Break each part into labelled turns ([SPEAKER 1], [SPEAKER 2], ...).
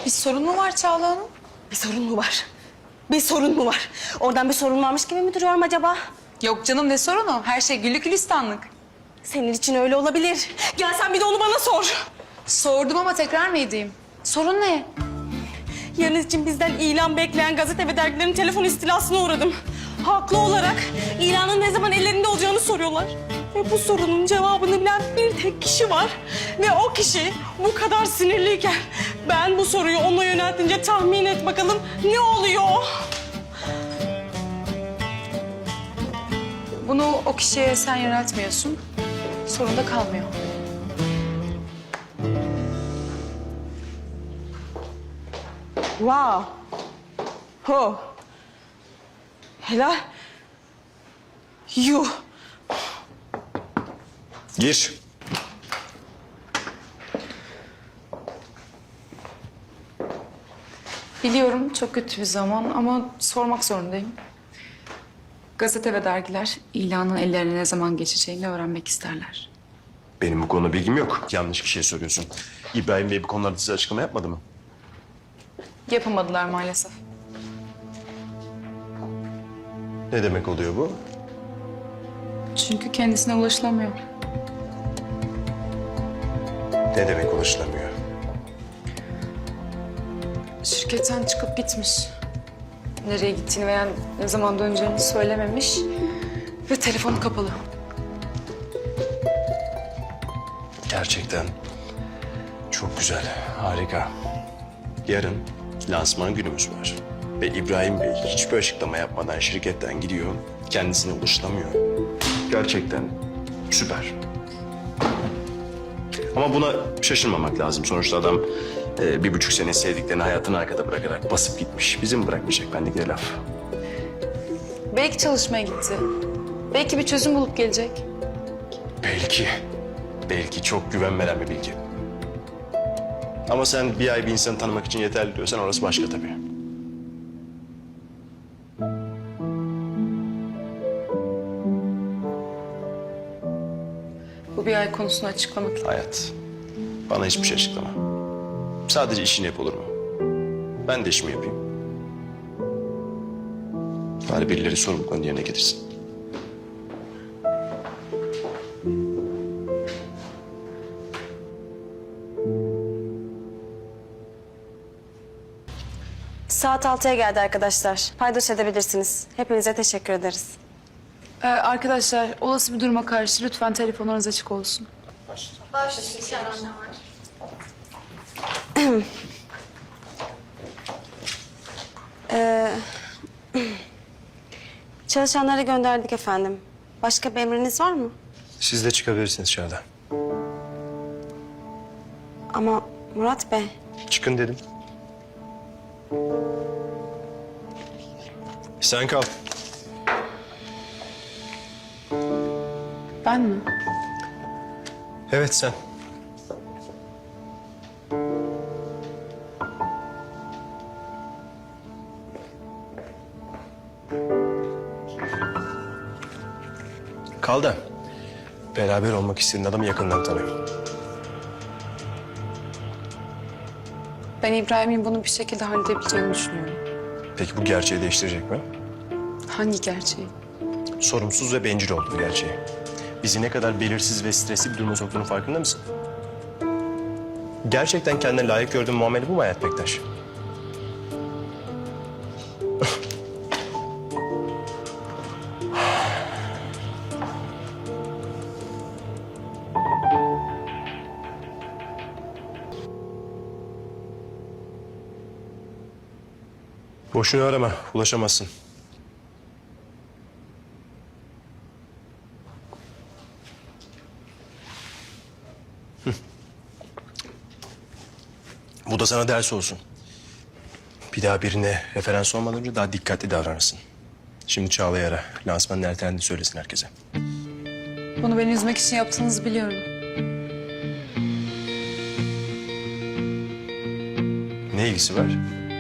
[SPEAKER 1] Bir sorun mu var Çağla Hanım?
[SPEAKER 2] Bir sorun mu var? Bir sorun mu var? Oradan bir sorun varmış gibi mi duruyorum acaba?
[SPEAKER 1] Yok canım, ne sorunu? Her şey güllük gülistanlık.
[SPEAKER 2] Senin için öyle olabilir. Gel sen bir de onu bana sor.
[SPEAKER 1] Sordum ama tekrar mı edeyim? Sorun ne?
[SPEAKER 2] Yarın için bizden ilan bekleyen gazete ve dergilerin telefon istilasına uğradım. Haklı olarak ilanın ne zaman ellerinde olacağını soruyorlar. Ve bu sorunun cevabını bilen bir tek kişi var. Ve o kişi bu kadar sinirliyken ben bu soruyu ona yöneltince tahmin et bakalım ne oluyor?
[SPEAKER 1] Bunu o kişiye sen yöneltmiyorsun. Sorun da kalmıyor.
[SPEAKER 2] Wow. Ho. Helal. Yuh.
[SPEAKER 3] Gir.
[SPEAKER 1] Biliyorum çok kötü bir zaman ama sormak zorundayım. Gazete ve dergiler ilanın ellerine ne zaman geçeceğini öğrenmek isterler.
[SPEAKER 3] Benim bu konuda bilgim yok. Yanlış kişiye soruyorsun. İbrahim Bey bu konularda size açıklama yapmadı mı?
[SPEAKER 1] Yapamadılar maalesef.
[SPEAKER 3] Ne demek oluyor bu?
[SPEAKER 1] Çünkü kendisine ulaşılamıyor.
[SPEAKER 3] Ne demek ulaşılamıyor?
[SPEAKER 1] Şirketten çıkıp gitmiş. Nereye gittiğini veya ne zaman döneceğini söylememiş. Ve telefonu kapalı.
[SPEAKER 3] Gerçekten çok güzel, harika. Yarın lansman günümüz var. Ve İbrahim Bey hiçbir açıklama yapmadan şirketten gidiyor. Kendisine ulaşılamıyor. Gerçekten süper. Ama buna şaşırmamak lazım. Sonuçta adam 1,5 sene sevdiklerini hayatını arkada bırakarak basıp gitmiş. Bizim bırakmayacak bendeki laf.
[SPEAKER 1] Belki çalışmaya gitti. Belki bir çözüm bulup gelecek.
[SPEAKER 3] Belki. Belki çok güven veren bir bilgi. Ama sen bir ay bir insanı tanımak için yeterli diyorsan orası başka tabii.
[SPEAKER 1] Bu bir ay konusunu açıklamak için.
[SPEAKER 3] Hayat, bana hiçbir şey açıklama. Sadece işini yap olur mu? Ben de işimi yapayım. Bari birileri sorumluluklarını yerine getirsin.
[SPEAKER 2] Saat 6'ya geldi arkadaşlar. Paydos edebilirsiniz. Hepinize teşekkür ederiz.
[SPEAKER 1] Arkadaşlar, olası bir duruma karşı lütfen telefonlarınız açık olsun.
[SPEAKER 2] Çalışanları gönderdik efendim. Başka bir emriniz var mı?
[SPEAKER 3] Siz de çıkabilirsiniz dışarıda.
[SPEAKER 2] Ama Murat Bey,
[SPEAKER 3] Çıkın dedim. Sen kal.
[SPEAKER 1] Ben mi?
[SPEAKER 3] Evet sen. Kal da beraber olmak istediğin adamı yakından tanıyorum.
[SPEAKER 1] Ben İbrahim'in bunu bir şekilde halledebileceğini düşünüyorum.
[SPEAKER 3] Peki bu gerçeği değiştirecek mi?
[SPEAKER 1] Hangi gerçeği?
[SPEAKER 3] Sorumsuz ve bencil olduğu gerçeği. Bizi ne kadar belirsiz ve stresli bir duruma soktuğunun farkında mısın? Gerçekten kendine layık gördüğün muamele bu mu Hayat Bektaş? Boşuna arama, ulaşamazsın. Bu da sana ders olsun. Bir daha birine referans olmadan önce daha dikkatli davranırsın. Şimdi Çağla'yı ara. Lansmanın ertelendiğini söylesin herkese.
[SPEAKER 1] Bunu beni üzmek için yaptığınızı biliyorum.
[SPEAKER 3] Ne ilgisi var?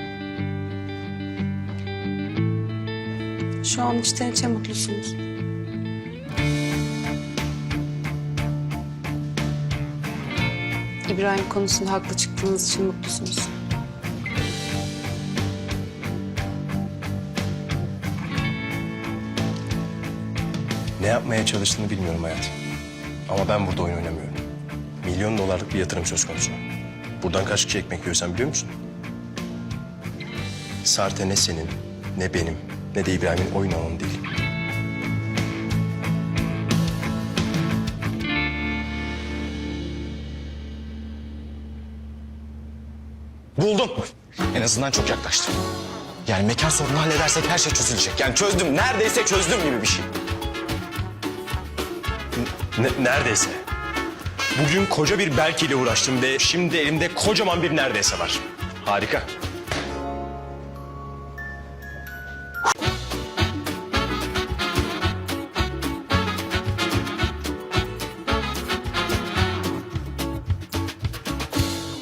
[SPEAKER 2] şu an içten içe mutlusunuz.
[SPEAKER 1] İbrahim konusunda haklı çıktığınız için mutlusunuz.
[SPEAKER 3] Ne yapmaya çalıştığını bilmiyorum hayat. Ama ben burada oyun oynamıyorum. Milyon dolarlık bir yatırım söz konusu. Buradan kaç kişi ekmek yiyor sen biliyor musun? Sarte ne senin, ne benim, ne de İbrahim'in oyun alanı değil.
[SPEAKER 4] Buldum. En azından çok yaklaştım. Yani mekan sorunu halledersek her şey çözülecek. Yani çözdüm, neredeyse çözdüm gibi bir şey.
[SPEAKER 3] Neredeyse. Bugün koca bir belki ile uğraştım ve şimdi elimde kocaman bir neredeyse var. Harika.